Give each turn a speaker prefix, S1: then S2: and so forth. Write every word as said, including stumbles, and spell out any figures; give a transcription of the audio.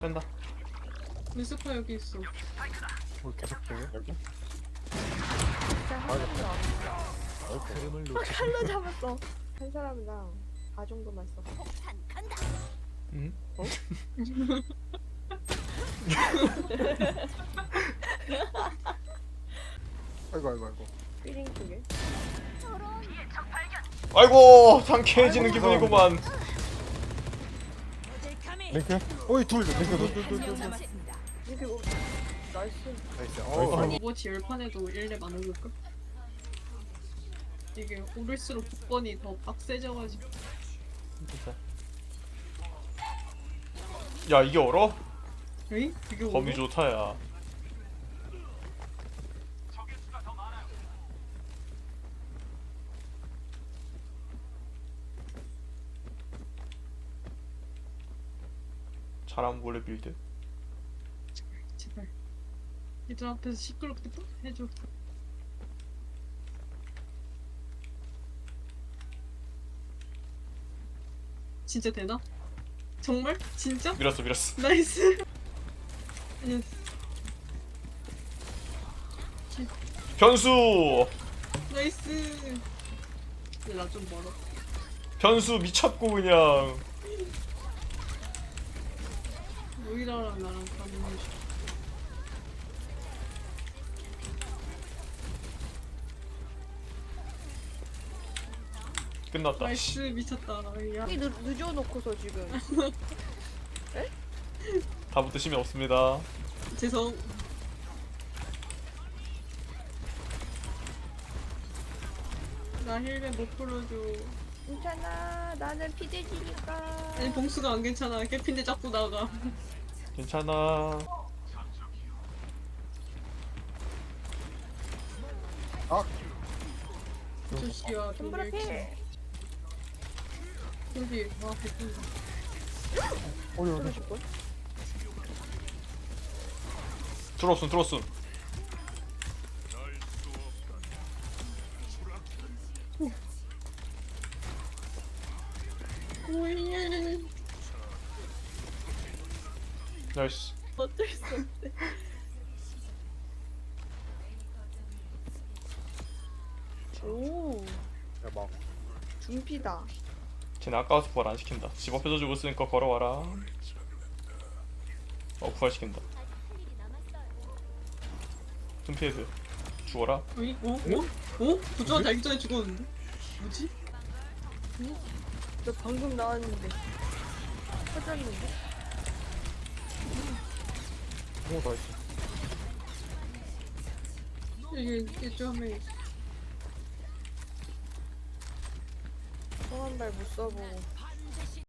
S1: 뺀다.
S2: 미스파 여기 있어.
S3: 뭘 계속 빼요? 여기?
S4: 진짜 한 사람도 안 왔어.
S3: 흐름을
S4: 어,
S3: 놓치지
S4: 칼로 잡았어. 한 사람이랑 다 정도만 써.
S1: 응?
S4: 어?
S3: 아이고 아이고 아이고
S4: 삐링 쪽에.
S1: 아이고 상쾌해지는 기분이구만.
S3: 링크? 어이 둘 링크 둘둘둘둘
S4: 이게 뭐 나이스.
S3: 나이스 어
S2: 오버워치 열 판에도 일 렙 안 오를까? 이게 오를수록 복권이 더 빡세져가지고.
S1: 진짜. 야 이게 얼어?
S2: 에이? 이게
S1: 범위
S2: 오버?
S1: 좋다야. 잘한 몰래 빌드.
S2: 제발. 얘들 앞에서 시끄럽게 또 해줘. 진짜 되나? 정말? 진짜?
S1: 밀었어 밀었어.
S2: 나이스. 예스.
S1: 변수
S2: 나이스. 근데 나 좀 멀어.
S1: 변수 미쳤고 그냥.
S2: 모이라랑 나랑 가는 중.
S1: 끝났다.
S2: 나이스 미쳤다. 야.
S4: 이 늦, 늦어놓고서 지금.
S1: 다부터 심이 없습니다.
S2: 죄송. 나 힐맨 못 풀어줘.
S4: 괜찮아. 나는 피대지니까.
S2: 아니 봉수가 안 괜찮아. 개핀데 자꾸 나가.
S1: 괜찮아.
S3: 아
S2: 조시야
S4: 손브라
S2: 돌릴지.
S4: 필.
S2: 여기 와 개핀다.
S3: 어디 어디
S4: 줄걸?
S1: 들어왔음 들어왔음.
S2: 오예.
S1: 나이스.
S4: 어쩔 수 없대. 오.
S3: 대박
S4: 중피다.
S1: 쟤네 아까워서 부활 안 시킨다. 집 앞에서 주고 있으니까 걸어와라. 어 부활 시킨다. tum피헤드 죽어라.
S2: 어이? 어? 어? 어? 부조한 달기 전에 죽었는데? 뭐지?
S4: 너 방금 나왔는데. 터졌는데?
S3: 오 나이스
S2: 이게 이쪽 한 명이 있어.
S4: 성한 발 못 써보고.